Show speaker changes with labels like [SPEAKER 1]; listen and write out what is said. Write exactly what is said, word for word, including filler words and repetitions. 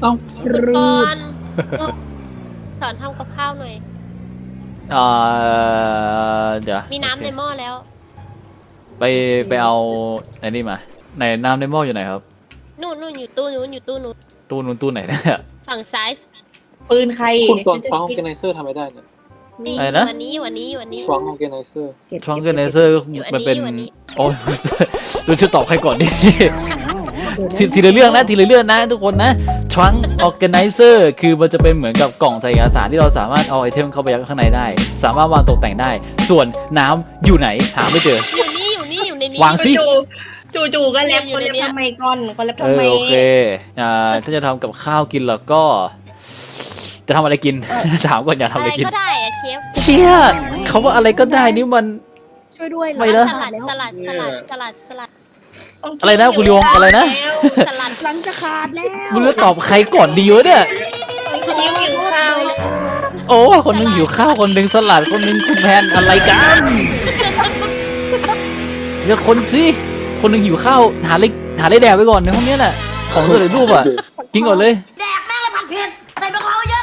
[SPEAKER 1] อ้า
[SPEAKER 2] ก่อนสอนทำกับข้าวหน่อย
[SPEAKER 3] อ่าเดี๋ยว
[SPEAKER 2] มีน้ำในหม้อแล้ว
[SPEAKER 3] ไปไปเอาไอ้นี่มาในน้ำในหม้ออยู่ไหนครับ
[SPEAKER 2] นู่นนู่นอยู่ตู้นู้นอยู่ตู้นู้น
[SPEAKER 3] ตู้นู้นตู้ไหนเนี่ย
[SPEAKER 2] ฝั่งซ้าย
[SPEAKER 4] ปืนใคร
[SPEAKER 1] คุณก่อนฟังออร์แกไนเซอร์ทำไม่ได้เนี่ย
[SPEAKER 2] นี่
[SPEAKER 3] อะไรนะ
[SPEAKER 2] วันนี้วันนี้วันนี้
[SPEAKER 1] ฟังออร์แกไนเซอร์
[SPEAKER 3] ช่องเกนเนเซอร์
[SPEAKER 2] อยู่อันนี้
[SPEAKER 3] มันเป็น
[SPEAKER 2] อยู่อันนี้
[SPEAKER 3] โอ้ย ดูจะตอบใครก่อนดี ทีทีละเรื่องนะทีละเรื่องนะทุกคนนะทรังออร์แกไนเซอร์คือมันจะเป็นเหมือนกับกล่องใส่เอกสารที่เราสามารถเอาไอเทมเข้าไปยัดข้างในได้ สามารถวางตกแต่งได้ ส่วนน้ำอยู่ไหนหาไม่เจอ
[SPEAKER 2] อยู่นี่อยู่นี่อยู่ในนี้
[SPEAKER 3] วางสิ
[SPEAKER 4] จู่จู่ๆก็แลบ
[SPEAKER 2] อยู่
[SPEAKER 4] คน
[SPEAKER 2] ใน
[SPEAKER 4] แลบ
[SPEAKER 2] เนี้ย
[SPEAKER 4] ทำไมก่อนคนแลบ
[SPEAKER 3] เอ
[SPEAKER 4] ทำไม
[SPEAKER 3] อโอเคอ่าถ้าจะทำกับข้าวกินแล้วก็ จะทำอะไรกิน ถามก่อนอยากทำ
[SPEAKER 2] อะ
[SPEAKER 3] อะไร
[SPEAKER 2] ไร
[SPEAKER 3] กิน
[SPEAKER 2] ก็ได้อะเชฟ
[SPEAKER 3] เชี่ยเขาว่าอะไรก็ได้นี่มัน
[SPEAKER 4] ช่วยด้วย
[SPEAKER 3] ไม่นะ
[SPEAKER 2] สลัดสลัดสลัดสลัดสลัด
[SPEAKER 3] อะไรนะคุณยงอะไรนะ
[SPEAKER 2] สลัด
[SPEAKER 4] หลังจะขาดแล้ว
[SPEAKER 3] มึงจะตอบใครก่อนดีวะเนี่ย
[SPEAKER 4] คนนี้หิวข้าว
[SPEAKER 3] โอ้คนหนึงหิวข้าวคนหนึงสลัดคนหนึงคุณแพนอะไรกันเดี๋ยวคนสิคนหนึงหิวข้าวหาอะไรหาอะไรแดกไปก่อนในห้องเนี้ยแหละของตัวเลยรูปอ่ะกินก่อนเลย
[SPEAKER 5] แดกแม่งเลยผัดเผ็ดใส่มะพร้าวเย